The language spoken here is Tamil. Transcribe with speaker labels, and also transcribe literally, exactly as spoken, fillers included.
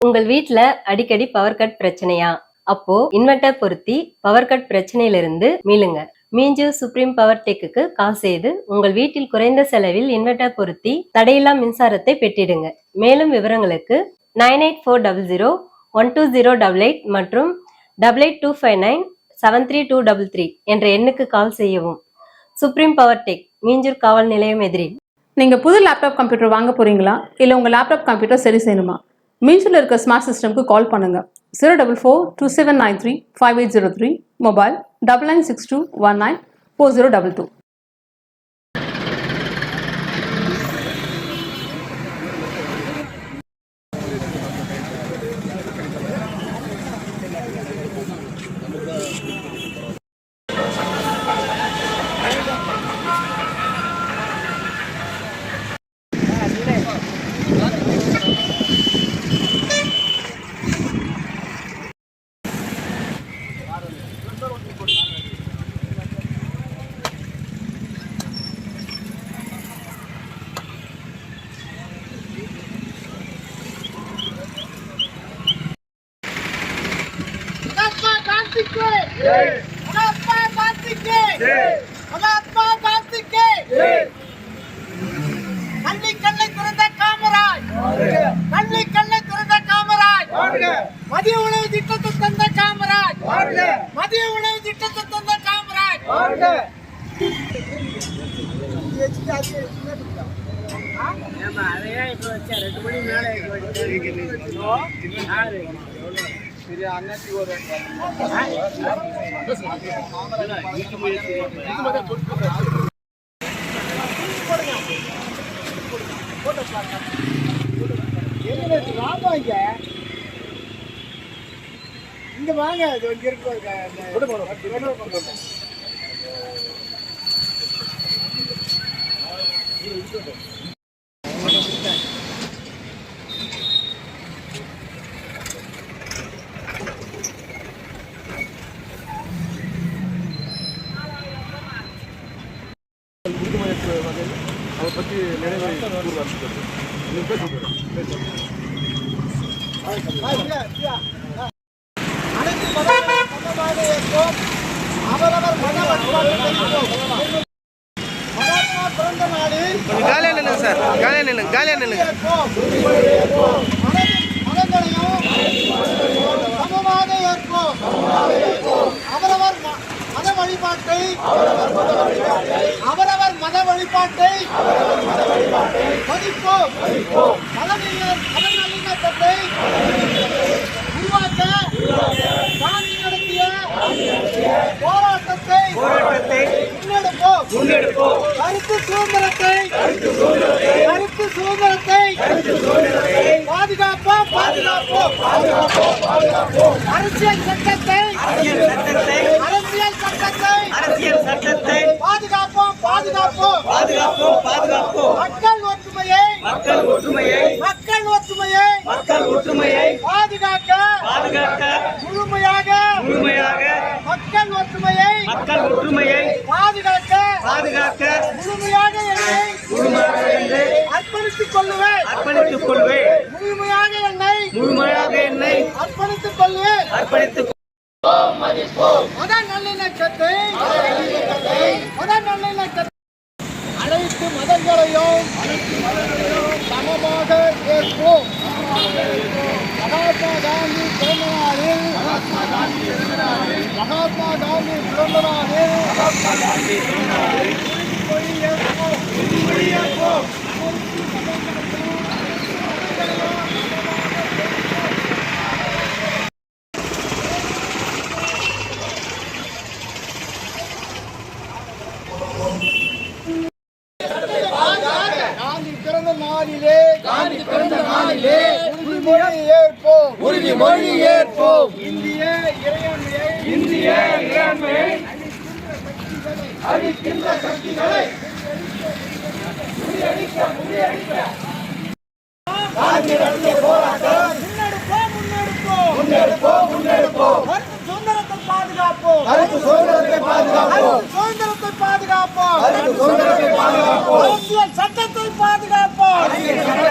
Speaker 1: உங்கள் வீட்ல அடிக்கடி பவர் கட் பிரச்சனையா? அப்போ இன்வெர்டர் பொருத்தி பவர் கட் பிரச்சனையிலிருந்து மீளுங்க. மீஞ்சூர் சுப்ரீம் பவர் டெக்குக்கு கால் செய்து உங்கள் வீட்டில் குறைந்த செலவில் இன்வெர்டர் பொருத்தி தடையில்லா மின்சாரத்தை பெற்றிடுங்க. மேலும் விவரங்களுக்கு nine eight four double zero one two zero double eight மற்றும் double eight two five nine seven three two double three என்ற எண்ணுக்கு கால் செய்யவும். சுப்ரீம் பவர் டெக், மீஞ்சூர் காவல் நிலையம் எதிரில்.
Speaker 2: நீங்க புது லேப்டாப் கம்ப்யூட்டர் வாங்க போறீங்களா? இல்ல உங்க லேப்டாப் கம்ப்யூட்டர் சரி செய்யணுமா? மீஞ்சூர்ல இருக்க ஸ்மார்ட் சிஸ்டம்க்கு கால் பண்ணுங்க. Zero double four two seven nine three five eight zero three, mobile double nine six two one nine four zero double two.
Speaker 3: மதிய உணவு திட்டத்தை தந்த காமராஜ், மதிய உணவு திட்டத்தை தந்த காமராஜ். இங்க வாங்க, இது இங்க இருக்கு.
Speaker 4: அதை பற்றி நினைவை
Speaker 3: அனைத்து மதமாக ஏற்போம், அவரவர் மத மகாத்மா பிறந்த நாளில்
Speaker 4: காலியா நில்லுங்க சார், காலியா நில்லுங்க, காலியா நில்லுங்க.
Speaker 3: மதங்களையும் சமமாக ஏற்போம், அவரவர் மத வழிபாட்டை அவரவர் மத வழிபாட்டை மதிப்போம். மதநல்லிணக்கத்தை உருவாக்க காந்தி நடத்திய போராட்டத்தை முன்னெடுப்போம். கருத்து சுதந்திரத்தை கருத்து சுதந்திரத்தை பாதுகாப்போம் பாதுகாப்போம் அரசியல் சட்டத்தை அரசியல் சட்டத்தை அரசியல் சட்டத்தை பாதுகாப்போம் பாதுகாப்போம் பாதுகாப்போம் பாதுகாப்போம் மக்கள் ஒற்றுமையை மக்கள் ஒற்றுமையை மக்கள் ஒற்றுமையை மக்கள் ஒற்றுமையை பாதுகாக்க பாதுகாக்க முழுமையாக முழுமையாக மக்கள் ஒற்றுமையை மக்கள் ஒற்றுமையை பாதுகாக்க பாதுகாக்க முழுமையாக என்னை முழுமையாக என்னை அர்ப்பணித்துக் கொள்ளுவேன் அர்ப்பணித்துக் கொள்வேன் முழுமையாக என்னை முழுமையாக என்னை அர்ப்பணித்துக் கொள்வேன் அர்ப்பணித்துக் மத நல்லிணக்கத்தை மத நல்லிணக்கத்தை அனைத்து மதங்களையும் சமமாக ஏற்போம். மகாத்மா காந்தி பிறந்த நாளில் மகாத்மா காந்தி பிறந்த நாளில் உறுதிமொழி ஏற்போம் உறுதிமொழி ஏற்போம். காந்தி பிறந்த நாளிலே காந்தி பிறந்த நாளிலே உறுதிமொழி ஏற்போம் உறுதிமொழி ஏற்போம். இந்திய இறையாண்மையை இந்திய இறையாண்மையை அழிக்கின்ற சக்திகளை முறியடிக்க முறியடிக்க காந்தி நடத்திய போராட்டம் முன்னெடுப்போம் முன்னெடுப்போம் முன்னெடுப்போம் முன்னெடுப்போம். கருத்து சுதந்திரத்தை பாதுகாப்போம் கருத்து சுதந்திரத்தை பாதுகாப்போம் சுதந்திரத்தை பாதுகாப்போம் அரசியல் சட்டத்தை பாதுகாப்போம்.